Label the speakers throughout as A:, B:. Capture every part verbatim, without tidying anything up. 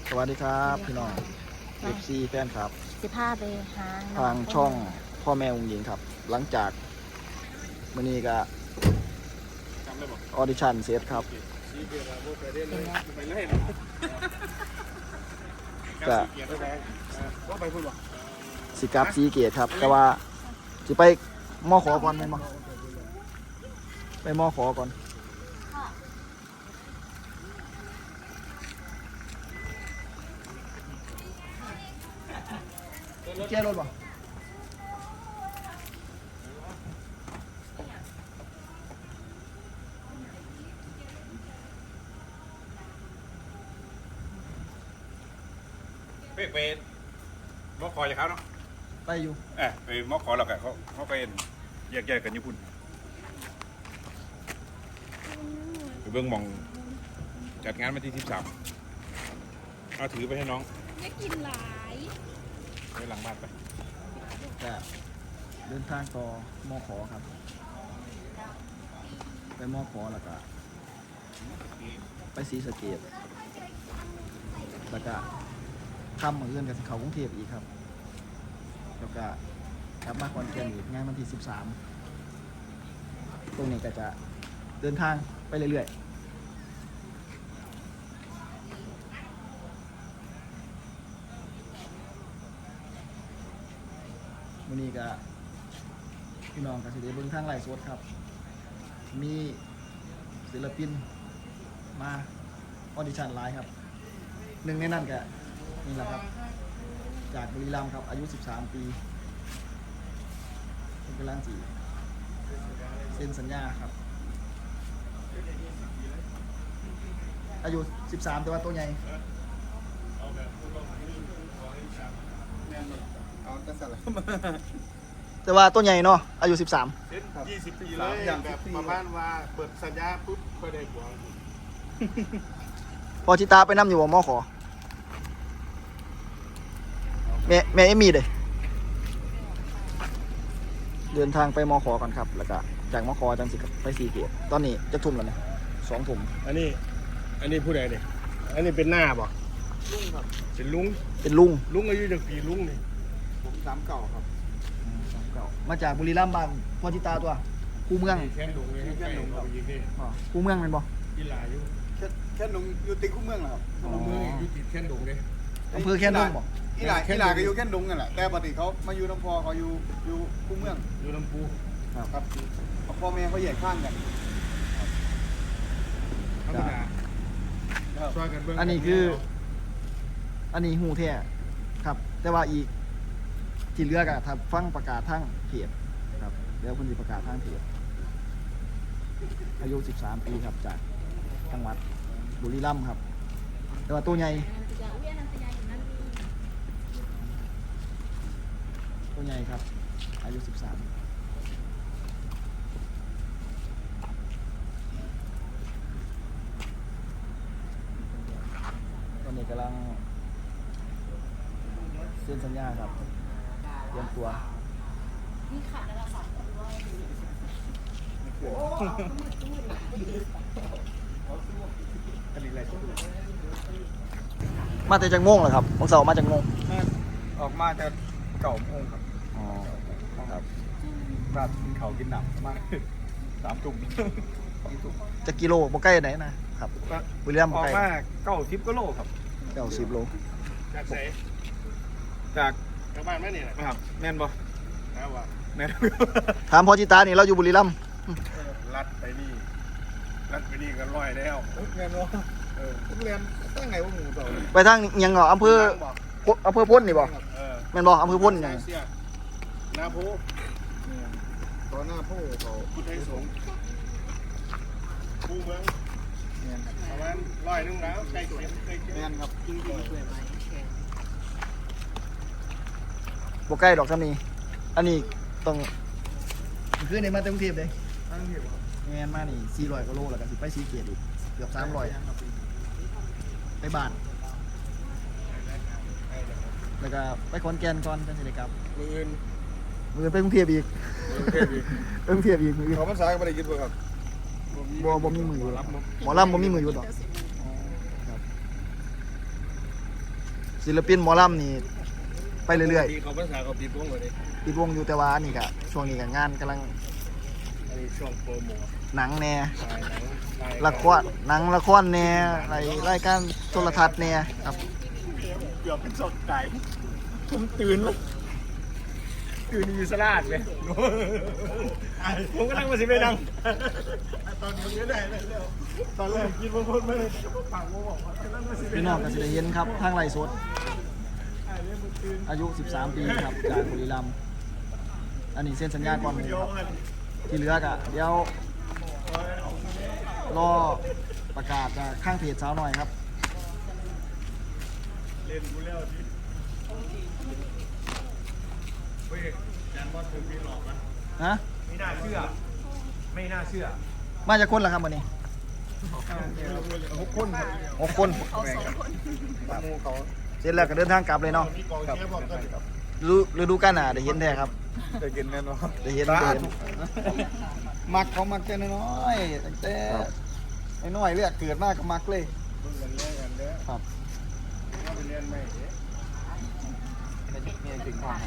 A: สวัสดีครับพี่น้อง เอฟ ซี แฟนครับ
B: สิพาไปหา
A: ทางช่องพ่อแม่องค์หญิงครับ หลังจากมื้อนี้ก็ออดิชั่นเสร็จครับก็สิกลับสีเกตครับ แต่ว่าสิไปมอขอก่อนไหมมั้งไปมอขอก่อนเจ๊รถป่ะ
C: ไปไปมอคอจากเขาเนาะ
A: ไปอยู่
C: เออไปมอคอแล้วกันเขาเขาไปแยกแยกกันญี่ปุ่นไปเบื้องมองจัดงานมาที่สิบสามเอาถือไปให้น้อง
B: ไม่กินหลาย
C: ไปหลังบ้านไป
A: ก็เดินทางต่อมอขอครับไปมอขอแล้วก็ไปศรีสะเกษแล้วก็ค่ำมื้ออื่นกับเขากรุงเทพอีกครับแล้วก็กลับมาคอนแก่นอีกงานวันที่สิบสามตรงนี้ก็จะเดินทางไปเรื่อยๆวันนี้ก็พี่น้องก็สิได้เบิ่งทางไลฟ์สดครับมีศิลปินมาออดิชั่นไลฟ์ครับหนึ่งในนั้นก็นี่แหละครับจากบุรีรัมย์ครับอายุสิบสามปีเป็นกำลังจีเซ็นสัญญาครับอายุสิบสามแต่ว่าตัวใหญ่แต่ว่าตัวใหญ่เนาะอายุสิบสาม
C: ยี่สิบปีเลยแบบประมาณว่าเปิดสัญญาปุ๊บก็ได้บวง
A: พอชิตาไปนั่อยู่บ่มอขอแม่แม่เอมี่เลยเดินทางไปมอขอก่อนครับแล้วก็จากมอขอจังสิไปสีเกียรตอนนี้จะทุ่มแล้วเนี่ยสองทุ่ม
C: อันนี้อันนี้ผู้ใดเนี่ยอันนี้เป็นหน้าบ่ลุงครับเป็นลุง
A: เป็นลุง
C: ลุงอายุจากปีลุงนี่ผมสามเก่าครับ
A: สามเก่ามาจากบุรีรัมย์บ้านพอชิตาตัวคูเมือง
C: แค่หนุ่งเลยแค่หนุ่งครับ
A: คูเมืองเป็นบ่
C: กีฬาอยู่
D: แค่แค่หนุ่งอยู่ติดคู่เมืองเหรอครับ
C: เมืองอยู่ติดแค่หนุ่งเลย
A: อำเภอแค่นุ่งบ่
D: อีหลาอีหลาก็อยู่แค่หนุ่งนั่นแหละแต่ปกติเขามาอยู่น้ำพอเขาอยู่อยู่คู่เมือง
C: อยู่ลำพู
D: ครับพ่อแม่เขาแยกข้างกัน
A: อันนี้คืออันนี้หูแท้ครับแต่ว่าอีกที่เหลือก็ถ้าฟังประกาศทางเพจครับแล้วคนที่ประกาศทางเพจอายุสิบสามปีครับจากจังหวัดบุรีรัมย์ครับแต่ว่าตัวใหญ่ตัวใหญ่ครับอายุสิบสามตอนนี้กำลังเซ็นสัญญาครับเตรียมตัวมีขาดอะไรสองคนด้วยมาแต่จากโมงเหรอครับของเสาร์มาจากโมง
D: ออกมาจะเก่าโมงครับ
A: อ๋อครับ
D: ราดเขากินหนักมากสามตุ่ม
A: จะกิโลบ่ใกล้ไหนนะครับบุรีรัมย์
D: ออกมาเก้าสิบกิโลครับ
A: เก้าสิบโล
C: จากไหน
D: จาก
C: ชาวบ้านไหมเนี่ย
D: ครับแม่นบ่
C: ครับว่า
D: แม่น
A: ถามพ่อจิตานี่เราอยู่บุรีรัมย์
C: ลัดไปนี่ลัดไปนี่ก็ร้อยแล้ว
D: แม่นบ่เออผมเรียนตั้งไงว่าหมูเต่า
A: ไปทางยังเหรออำเภออำเภอพ้นนี่บ่แม่นบ่อำเภอพ้นยัง
C: นาโพ
D: ตอนหน้าผู้เขา
C: พุทธไทยสงฆ์ผู้เมืองประมาณร้อยนึงแล้วใกล้เคียงใกล้เคียง
D: แม่นครับจริงจริงช่วยไหม
A: บ่ใกล้ดอกซ้ำนี้อันนี้ต้องคือในมาจากกรุงเทพเลย
D: ตั้งเทพ
A: แม่นมานี่สี่ร้อยกิโลแล้วก็สิไปสีเกียรติอีกเกือบสามร้อยไปบ้านแล้วก็ไปขอนแก่นก่อนจังสิได้กลับ
D: มืออื่น
A: มือไปกรุงเทพอีก
D: เทพอีก
A: ไปกรุงเทพอีกมือ
D: เขาภาษาไม่ได้ยึดบ่ครับ
A: บ่บ่มีมืออยู่หมอลำบ่มีมืออยู่ดอกศิลปินหมอลำนี่ไปเรื่อย
C: ๆเขาภาษาเขาปีพวงเลย
A: ๆปิดวงอยู่แต่ว่านี่ก็ช่วงนี้ก็งานกำลัง
C: อันนี้ช่วงโปรโมท
A: หนังแน่
C: ถ่ายหนังถ่าย
A: ละครหนังละครแน่อะไรรายการโทรทัศน์แน่ครับ
C: เกือบเป็นสดไก่ผมตื่นแล้วตื่นอยู่สลาดเลยผมก็นั่งมาสิไปนั่งตอนนี้ไม่ได้แล้วตอนแรกกินบางคนไม่ได้ปากบอกว่านั่งมาสิไป
A: พี่น้
C: นั่
A: อง งก็สิได้เห็นครับทางไร่สดอายุ สิบสาม ปีครับจากบุรีรัมย์อันนี้เซ็นสัญญาก่อนหมู่ครับที่เหลือกะเดี๋ยวรอประกาศจากข้างเพจสาวหน่อยครับ
C: เล่นกูแล้วดิเฮ้ยแจนบอสถึงพี่หลอกนะ
A: ฮะ
C: ไม่น่าเชื่อ ไม่น่าเชื่อ
A: มาจากคนละครับวันนี้
C: หกคนครับ
A: หกคน
C: มูเขา
A: เสร็จแล้วก็เดินทางกลับเลยเนาะ
C: มีกองเชียร์บอกกันครับ
A: ฤดูฤดูกาลหน้าได้เห็นแท้ครับ
C: จะกินแน่นอน
A: ได้เห็นได้เห็น
D: มักเขามักแต่น้อยๆตั้งแต่ไอ้น้อยเลือดเกิดมากก็มักเลย
C: เบิ่งกันเล่นกันเด้อ
A: ครับ
C: เอาไปเรียนใหม่เด้อ
D: มีถึงความ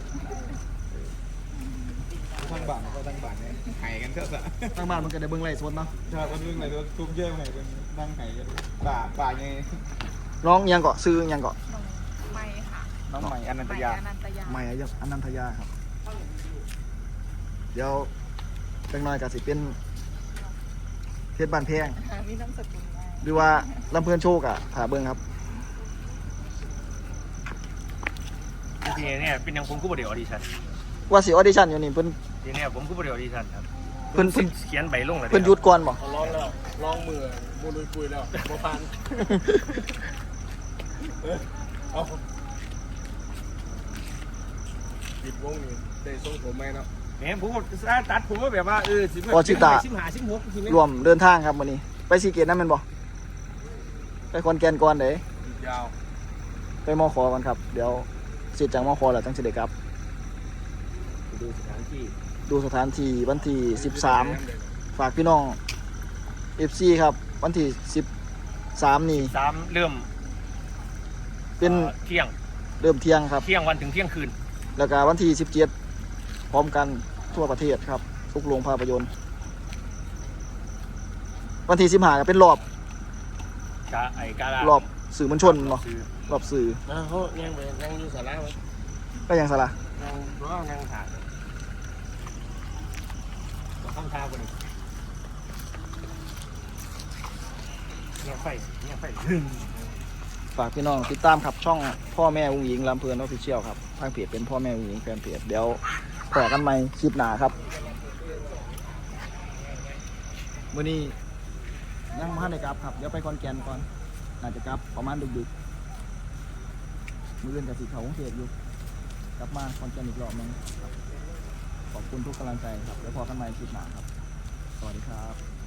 D: ทั้งบ้านก็ทั้งบ้านเนี่ยหายกันเถอะสะ
A: ทางบ้านมันก็ได้เบิ่งไร่สดเนาะ
D: ถ้าคนนึงไหนตัวทุกเยี่ยมไหนเป็นนั่งหายกันป่าป่าไง
A: ร้องอิหยังเกาะซื้ออิหยังเกาะ
B: ไม่ค่ะ
D: น้องใหม่อนันต
B: ไม่
D: ยา
B: อนันตยา
A: ใหม่อายุอนันทยาครับ เดี๋ยวเป็นน้อยก็สิเป็นเพชรบ้านแพง
B: มีน้ำสกุลไง
A: หรือว่าลำเพลินโชคอะถาเบิ่งครับ
E: ทีนี้เนี่ยเป็นอย่างผมก็บริออดิชั่น
A: ว่าสิออดิชั่นอยู่นี่เพิ่น
E: ทีนี้ผมก็บริออดิชั่นครับ
A: เพิ่นเพิ่น
E: เขียนใบลงเลย
A: เพิ่นหยุดก่อนบ่
C: เขาร้องแล้วร้องมือบูรุยปุยแล้วบ่พันเอาปิดวงนี่ได้ทรงผมไหมเนาะ
E: เนี่ยผมก็ตัดผมว่าแบบว่าเออสิบ
A: พอชิตา
E: สิบห้าสิบหกทีนี้
A: รวมเดินทางครับมื้อนี้ ไปสีเกตนั่นแม่นบ่ไปคอนแก่นก่อนเด้
C: ยาว
A: ไปมอขอก่อนครับ เดี๋ยวเสร็จจากมอขอแล้วจังสิได้กลับ
E: ดูสถานที่
A: ดูสถานที่วันที่สิบสามฝากพี่น้อง เอฟ ซี ครับ วันที่สิบสามนี่
E: สามเริ่ม
A: เป็น
E: อ่อเที่ยง
A: เริ่มเที่ยงครับ
E: เที่ยงวันถึงเที่ยงคืน
A: แล้วก็วันที่สิบเจ็ดพร้อมกันทั่วประเทศครับ ทุกโรงภาพยนตร์ วันที่สิบห้าก็เป็นรอบ
E: กาไอ้การาร
A: อบสื่อมวลชนเนาะ
E: ซื้อ
A: รอบสื่อ
C: นะเขายังไปยังอยู่สาระไหม
A: ก็ยังสละ
C: ยังร้องยังถ่าย
E: ข้ามทางคนนี้เนี่ยไฟเนี่ยไฟ
A: ฝากพี่น้องติดตามครับช่องพ่อแม่อุ้งอิงลำเพลินออฟฟิเชียลครับทางเพจเป็นพ่อแม่อุ้งอิงแฟนเพจเดี๋ยวขอกันใหม่คลิปหน้าครับวันนี้ยังไม่ได้กลับครับเดี๋ยวไปคอนแกนก่อนน่าจะกลับประมาณดึกๆมือเล่นกับสีเขาของเทพอยู่กลับมาคอนแกนอีกรอบนึงครับขอบคุณทุกกำลังใจครับเดี๋ยวพอกันใหม่คลิปหน้าครับสวัสดีครับ